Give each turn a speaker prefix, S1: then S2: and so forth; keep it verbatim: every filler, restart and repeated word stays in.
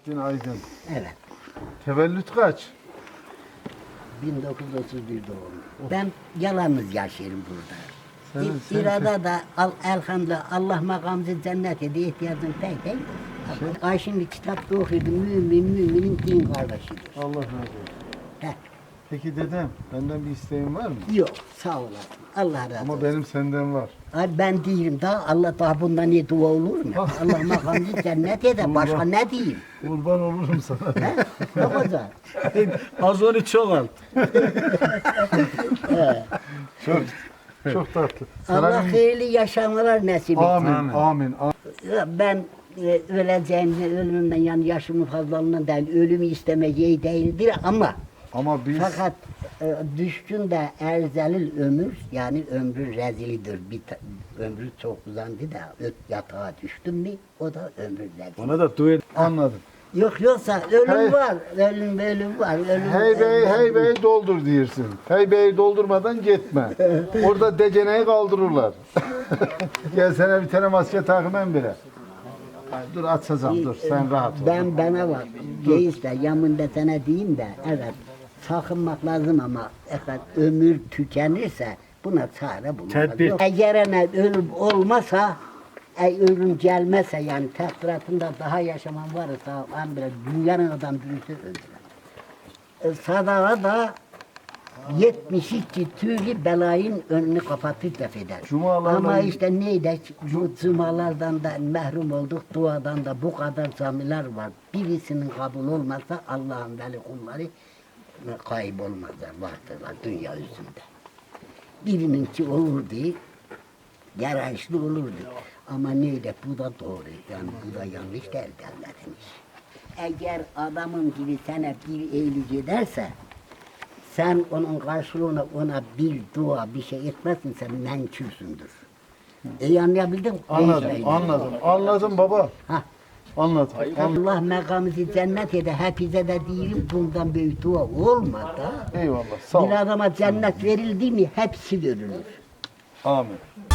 S1: Selahattin Aydın.
S2: Evet.
S1: Tevellüt kaç?
S2: bin dokuz yüz otuz bir doğumlu. Ben yalnız yaşıyorum burada.
S1: Senin-
S2: İ-
S1: senin-
S2: İrada da al, elhamdülillah Allah makamımızı cennet ediyor, ihtiyacım pek değil.
S1: Şey-
S2: Ay şimdi kitapta okuyordum, mümin müminin din kardeşidir.
S1: Allah razı olsun.
S2: Heh,
S1: Peki dedem, benden bir isteğin var mı?
S2: yok, sağ olasın. Allah razı
S1: Ama
S2: olsun.
S1: benim senden var.
S2: Ay ben değilim daha, Allah daha bundan iyi dua olur mu? Allah makamımızı cennet eder, başka
S1: Allah.
S2: ne diyeyim?
S1: Kurban olurum sana.
S2: He? Ne kadar?
S3: Az onu çok al.
S1: Çok, çok tatlı.
S2: Allah
S1: Sana bir-
S2: hayırlı yaşamalar nasip etsin.
S1: Amin,
S3: Amin.
S1: amin, amin.
S2: Ben e, öleceğimden, ölümümden yani yaşımın fazlalığından değil, ölümü istemeyeceği değildir ama
S1: Ama biz
S2: fakat e, düşkün de erzelil ömür, yani ömrü rezilidir. Bir ta- ömrü çok uzandı da öt yatağa düştüm mü o da ömrü rezil.
S3: Ona da dua et.
S1: anladım.
S2: Yok yoksa ölüm
S1: Hey.
S2: var, ölüm ölüm var. Ölüm,
S1: Hey bey,
S2: ölüm-
S1: hey bey doldur diyorsun. Hey bey doldurmadan gitme. Orada deceneyi kaldırırlar. Gel sana bir tane maske takmam bile. Ay, dur atsazam dur sen rahat ol.
S2: Ben bana bak, reis de yamında sana diyeyim de evet sakınmak lazım ama evet, ömür tükenirse buna çare bulunmaz.
S3: Tedbir.
S2: Yok, Eğer ne ölüm olmasa, e, ölüm gelmezse yani takdiratında daha yaşaman varsa ben bile dünyanın adam birisi öldürer. E, sadaka da yetmiş iki türlü belayın önünü kapatır def eder.
S1: Cumalarla-
S2: Ama işte neydi? Bu cumalardan da mahrum olduk, duadan da bu kadar camiler var. Birisinin kabul olmazsa Allah'ın veli kulları kaybolmazlar, vardırlar dünya yüzünde. Birininki olurdu, yarayışlı olurdu. Ama neydi? Bu da doğru, yani bu da yanlış değil devletin işi. Eğer adamın gibi sana bir iyilik ederse, sen onun karşılığına ona bir dua bir şey etmezsin, sen menkürsündür. İyi anlayabildin mi?
S1: Anladım,
S2: Neyse.
S1: anladım. Anladım baba.
S2: Hah.
S1: Anladım. anladım.
S2: Allah makamımızı cennet eder. Hepinize de diyelim bundan büyük dua olmadı.
S1: Eyvallah. Sağ ol.
S2: Bir adama cennet verildi mi hepsi verilir.
S1: Amin.